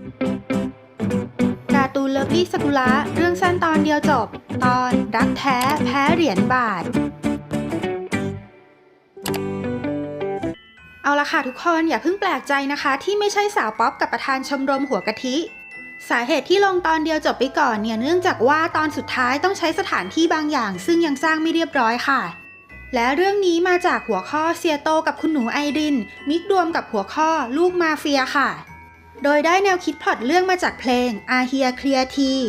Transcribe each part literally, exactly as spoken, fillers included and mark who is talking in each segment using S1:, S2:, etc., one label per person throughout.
S1: การ์ตูนเลิฟลี่สกุละเรื่องสั้นตอนเดียวจบ ตอนรักแท้แพ้เหรียญบาท เอาละค่ะทุกคนอย่าเพิ่งแปลกใจนะคะที่ไม่ใช่สาวป๊อปกับประธานชมรมหัวกะทิสาเหตุที่ลงตอนเดียวจบไปก่อนเนี่ยเนื่องจากว่าตอนสุดท้ายต้องใช้สถานที่บางอย่างซึ่งยังสร้างไม่เรียบร้อยค่ะและเรื่องนี้มาจากหัวข้อเซียโตกับคุณหนูไอรินมิกรวมกับหัวข้อลูกมาเฟียค่ะโดยได้แนวคิดพล็อตเรื่องมาจากเพลงอาเฮียเคลียร์ที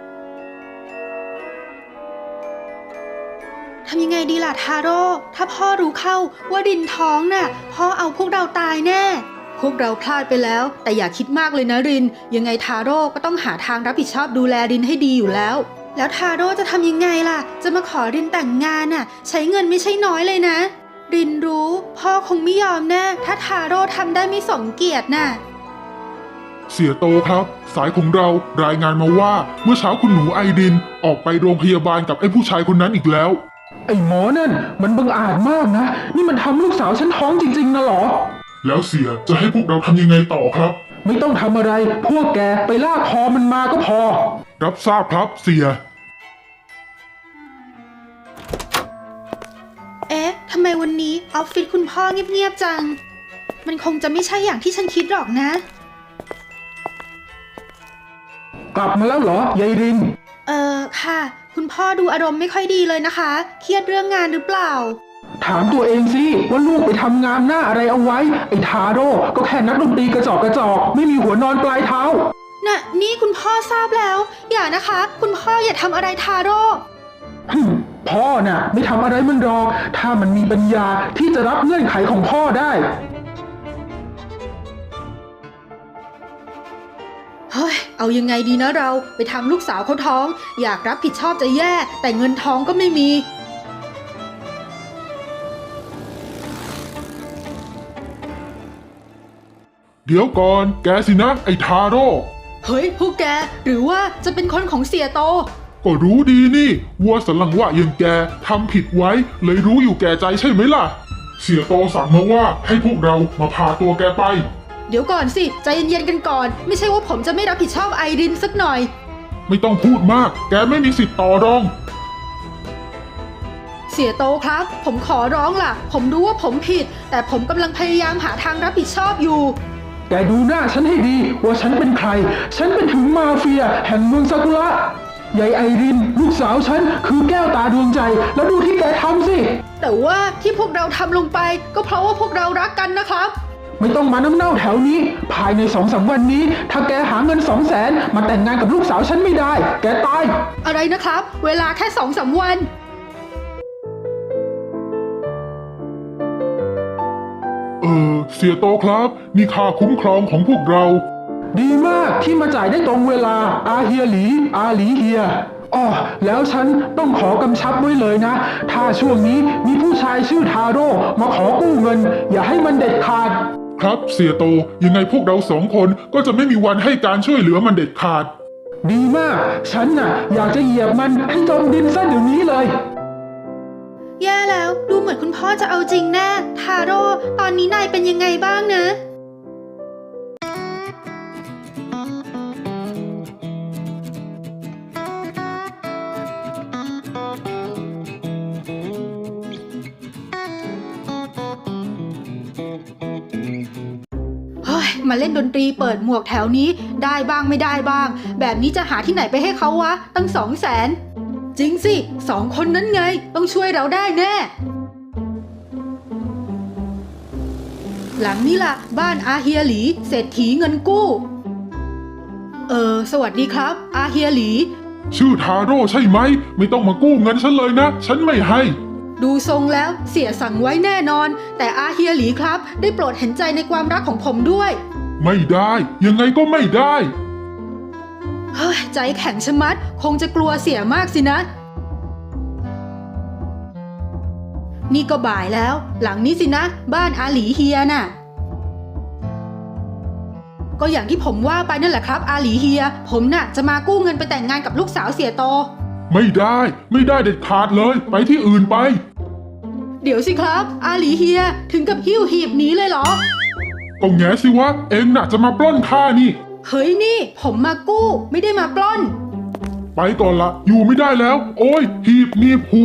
S1: ทำยังไงดีล่ะทาโร่ถ้าพ่อรู้เข้าว่ารินท้องน่ะพ่อเอาพวกเราตายแน่พวกเราพลาดไปแล้วแต่อย่าคิดมากเลยนะรินยังไงทาโร่ก็ต้องหาทางรับผิดชอบดูแลรินให้ดีอยู่แล้วแล้วทาโร่จะทำยังไงล่ะจะมาขอรินแต่งงานน่ะใช้เงินไม่ใช่น้อยเลยนะรินรู้พ่อคงไม่ยอมแน่ถ้าทาโร่ทำได้ไม่สมเกียรติน่ะ
S2: เสียโตครับสายของเรารายงานมาว่าเมื่อเช้าคุณหนูไอดินออกไปโรงพยาบาลกับไอ้ผู้ชายคนนั้นอีกแล้ว
S3: ไอ้หมอนั่นมันบังอาจมากนะนี่มันทำลูกสาวฉันท้องจริงๆนะหรอ
S2: แล้วเสียจะให้พวกเราทำยังไงต่อครับ
S3: ไม่ต้องทำอะไรพวกแกไปลากคอมันมาก็พอ
S2: รับทราบครับเสีย
S1: เอ๊ะทำไมวันนี้ออฟฟิศคุณพ่อเงียบๆจังมันคงจะไม่ใช่อย่างที่ฉันคิดหรอกนะ
S3: กลับมาแล้วเหรอยายริน
S1: เออค่ะคุณพ่อดูอารมณ์ไม่ค่อยดีเลยนะคะเครียดเรื่องงานหรือเปล่า
S3: ถามตัวเองสิว่าลูกไปทำงานหน้าอะไรเอาไว้ไอ้ทาโร่ก็แค่นักดนตรีกระจอกกระจอกไม่มีหัวนอนปลายเท้า
S1: น่ะนี่คุณพ่อทราบแล้วอย่านะคะคุณพ่ออย่าทำอะไรทาโร่
S3: พ่อน่ะไม่ทำอะไรมันหรอกถ้ามันมีปัญญาที่จะรับเงื่อนไขของพ่อได้
S1: เฮ้ยเอายังไงดีนะเราไปทำลูกสาวเขาท้องอยากรับผิดชอบจะแย่แต่เงินท้องก็ไม่มี
S2: เดี๋ยวก่อนแกสินะไอ้ทาโร่
S1: เฮ้ยพวกแกหรือว่าจะเป็นคนของเสียโต
S2: ก็รู้ดีนี่วัวสันหลังว่าอย่างแกทำผิดไว้เลยรู้อยู่แก่ใจใช่ไหมล่ะเสียโตสั่งมาว่าให้พวกเรามาพาตัวแกไป
S1: เดี๋ยวก่อนสิใจเย็นๆกันก่อนไม่ใช่ว่าผมจะไม่รับผิดชอบไอรินสักหน่อย
S2: ไม่ต้องพูดมากแกไม่มีสิทธิ์ต่อรอง
S1: เสียโตครับผมขอร้องล่ะผมรู้ว่าผมผิดแต่ผมกำลังพยายามหาทางรับผิดชอบอยู่
S3: แกดูหน้าฉันให้ดีว่าฉันเป็นใครฉันเป็นถึงมาเฟียแห่งเมืองซากุระยายไอรินลูกสาวฉันคือแก้วตาดวงใจแล้วดูที่แกทำสิ
S1: แต่ว่าที่พวกเราทำลงไปก็เพราะว่าพวกเรารักกันนะครับ
S3: ไม่ต้องมาน้ำเน่าแถวนี้ภายในสองสามวันนี้ถ้าแกหาเงินสองแสนมาแต่งงานกับลูกสาวฉันไม่ได้แกตาย
S1: อะไรนะครับเวลาแค่สองสามวัน
S2: เออเสียโตครับนี่ค่าคุ้มครองของพวกเรา
S3: ดีมากที่มาจ่ายได้ตรงเวลาอาเฮียหลีอาหลีเฮียอ้อแล้วฉันต้องขอกำชับไว้เลยนะถ้าช่วงนี้มีผู้ชายชื่อทาโร่มาขอกู้เงินอย่าให้มันเด็ดขาด
S2: ครับเสียโตยังไงพวกเราสองคนก็จะไม่มีวันให้การช่วยเหลือมันเด็ดขาด
S3: ดีมากฉันน่ะอยากจะเหยียบมันให้จมดินซะเดี๋ยวนี้เลย
S1: แย่แล้วดูเหมือนคุณพ่อจะเอาจริงแน่ทาโร่ตอนนี้นายเป็นยังไงบ้างนะมาเล่นดนตรีเปิดหมวกแถวนี้ได้บ้างไม่ได้บ้างแบบนี้จะหาที่ไหนไปให้เขาวะตั้งสองแสนจริงสิสองคนนั้นไงต้องช่วยเราได้แน่หลังนี้ล่ะบ้านอาเฮียหลีเศรษฐีเงินกู้เออสวัสดีครับอาเฮียหลี
S2: ชื่อทาโร่ใช่ไหมไม่ต้องมากู้เงินฉันเลยนะฉันไม่ให้
S1: ดูทรงแล้วเสียสั่งไว้แน่นอนแต่อาเฮียหลีครับได้โปรดเห็นใจในความรักของผมด้วย
S2: ไม่ได้ยังไงก็ไม่ได้
S1: เฮ้ยใจแข็งชะมัดคงจะกลัวเสียมากสินะนี่ก็บ่ายแล้วหลังนี้สินะบ้านอาหลีเฮียน่ะก็อย่างที่ผมว่าไปนั่นแหละครับอาหลีเฮียผมน่ะจะมากู้เงินไปแต่งงานกับลูกสาวเสียโต
S2: ไม่ได้ไม่ได้เด็ดขาดเลยไปที่อื่นไป
S1: เดี๋ยวสิครับอาหลีเฮียถึงกับหิ้วหีบหนีเลยเหรอ
S2: ก็แง่สิวะเองน่ะจะมาปล้นข้านี่
S1: เฮ้ยนี่ผมมากู้ไม่ได้มาปล้น
S2: ไปก่อนละอยู่ไม่ได้แล้ว โอ้ยหีบหนีบหู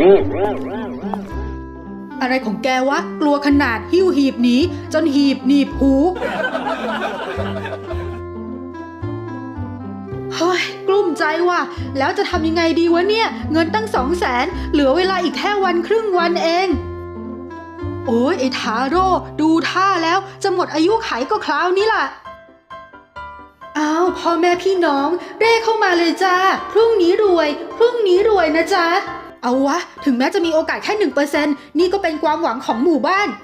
S1: อะไรของแกวะกลัวขนาดหิ้วหีบหนีจนหีบหนีบหูเฮ้ยกลุ้มใจว่ะแล้วจะทำยังไงดีวะเนี่ยเงินตั้งสองแสนเหลือเวลาอีกแค่วันครึ่งวันเองโอ้ยไอ้ทาโร่ดูท่าแล้วจะหมดอายุไขก็คราวนี้ล่ะอ้าวพ่อแม่พี่น้องเร่เข้ามาเลยจ้าพรุ่งนี้รวยพรุ่งนี้รวยนะจ๊ะเอาวะถึงแม้จะมีโอกาสแค่หนึ่งเปอร์เซ็นต์นี่ก็เป็นความหวังของหมู่บ้าน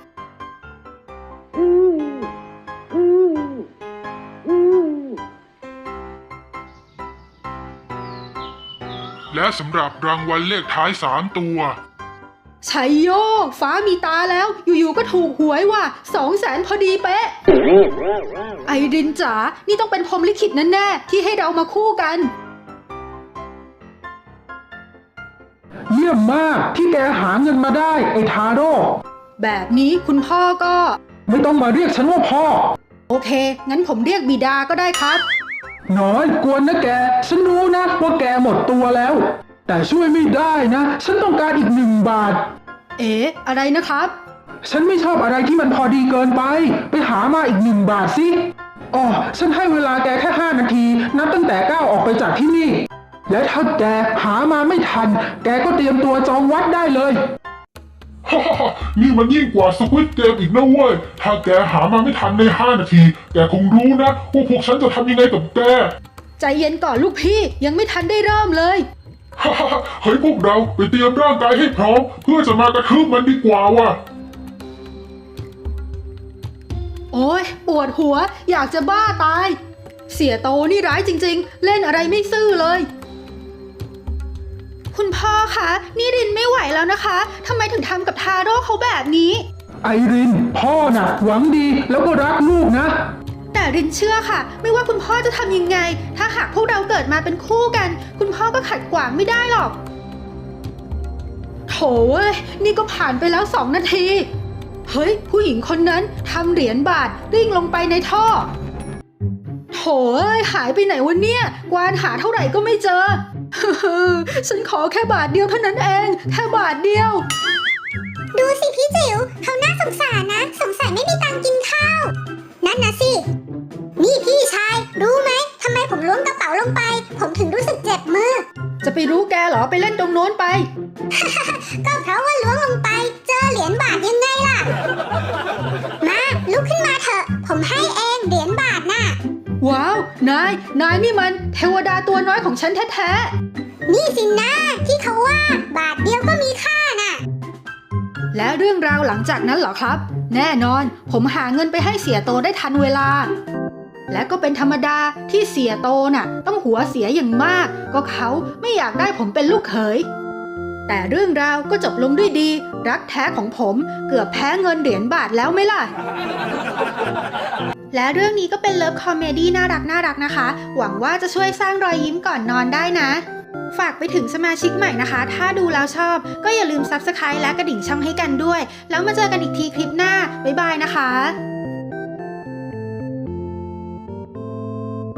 S2: และสำหรับรางวัลเลขท้ายสามตัว
S1: ชัยโยฟ้ามีตาแล้วอยู่ๆก็ถูกหวยว่ะสองแสนพอดีเป๊ะไอรินจ๋านี่ต้องเป็นพรหมลิขิตแน่ๆที่ให้เรามาคู่กัน
S3: เยี่ยมมากที่แกหาเงินมาได้ไอ้ทาโร่
S1: แบบนี้คุณพ่อก็
S3: ไม่ต้องมาเรียกฉันว่าพ่อ
S1: โอเคงั้นผมเรียกบิดาก็ได้ครับ
S3: น้อยกวนนะแกฉันรู้นะว่าแกหมดตัวแล้วแต่ช่วยไม่ได้นะฉันต้องการอีกหนึ่งบาท
S1: เอ๊ะอะไรนะครับ
S3: ฉันไม่ชอบอะไรที่มันพอดีเกินไปไปหามาอีกหนึ่งบาทสิอ๋อฉันให้เวลาแกแค่ห้านาทีนับตั้งแต่ก้าวออกไปจากที่นี่และถ้าแกหามาไม่ทันแกก็เตรียมตัวจองวัดได้เลย
S2: ฮ่าฮ่านี่มันยิ่งกว่าสควิดเกมอีกนะเว้ยถ้าแกหามาไม่ทันในห้านาทีแกคงรู้นะว่าพวกฉันจะทำยังไงกับแก
S1: ใจเย็นก่อนลูกพี่ยังไม่ทันได้เริ่มเลย
S2: ฮ่าฮ่าเฮ้ยพวกเราไปเตรียมร่างกายให้พร้อมเพื่อจะมากระทืบมันดีกว่าว่ะ
S1: โอ้ยปวดหัวอยากจะบ้าตายเสียโตนี่ร้ายจริงๆเล่นอะไรไม่ซื่อเลยคุณพ่อคะนี่รินไม่ไหวแล้วนะคะทำไมถึงทำกับทาโร่เขาแบบนี้
S3: ไอรินพ่อน่ะหวังดีแล้วก็รักลูกนะ
S1: แต่รินเชื่อค่ะไม่ว่าคุณพ่อจะทำยังไงถ้าหากพวกเราเกิดมาเป็นคู่กันคุณพ่อก็ขัดขวางไม่ได้หรอกโถเอ้ยนี่ก็ผ่านไปแล้วสองนาทีเฮ้ยผู้หญิงคนนั้นทำเหรียญบาทริ่งลงไปในท่อโถเอ้ยหายไปไหนวะเนี่ยกวานหาเท่าไหร่ก็ไม่เจอฉันขอแค่บาทเดียวเท่านั้นเองแค่บาทเดียว
S4: ดูสิพี่จิ๋วเขาน่าสงสารนะสงสัยไม่มีตังค์กินข้าวนั่นนะสินี่พี่ชายรู้ไหมทำไมผมล้วงกระเป๋าลงไปผมถึงรู้สึกเจ็บมือ
S1: จะไปรู้แกเหรอไปเล่นตรงโน้นไป
S4: ก็เพราะว่าล้วงลงไปเจอเหรียญบาทยังไงล่ะมาลุกขึ้นมาเถอะผมให้เองเหรียญบาทน่ะ
S1: ว้าวนายนายนี่มันเทวดาตัวน้อยของฉันแท้
S4: ๆนี่สินะที่เขาว่าบาทเดียวก็มีค่าน่ะ
S1: และเรื่องราวหลังจากนั้นเหรอครับแน่นอนผมหาเงินไปให้เสียโตได้ทันเวลาและก็เป็นธรรมดาที่เสียโตน่ะต้องหัวเสียอย่างมากก็เขาไม่อยากได้ผมเป็นลูกเขยแต่เรื่องราวก็จบลงด้วยดีรักแท้ของผมเกือบแพ้เงินเหรียญบาทแล้วไหมล่ะและเรื่องนี้ก็เป็นเลิฟคอมเมดี้น่ารักน่ารักนะคะหวังว่าจะช่วยสร้างรอยยิ้มก่อนนอนได้นะฝากไปถึงสมาชิกใหม่นะคะถ้าดูแล้วชอบก็อย่าลืม ซับสไครบ์ และกระดิ่งช่องให้กันด้วยแล้วมาเจอกันอีกทีคลิปหน้าบ๊ายบายนะคะ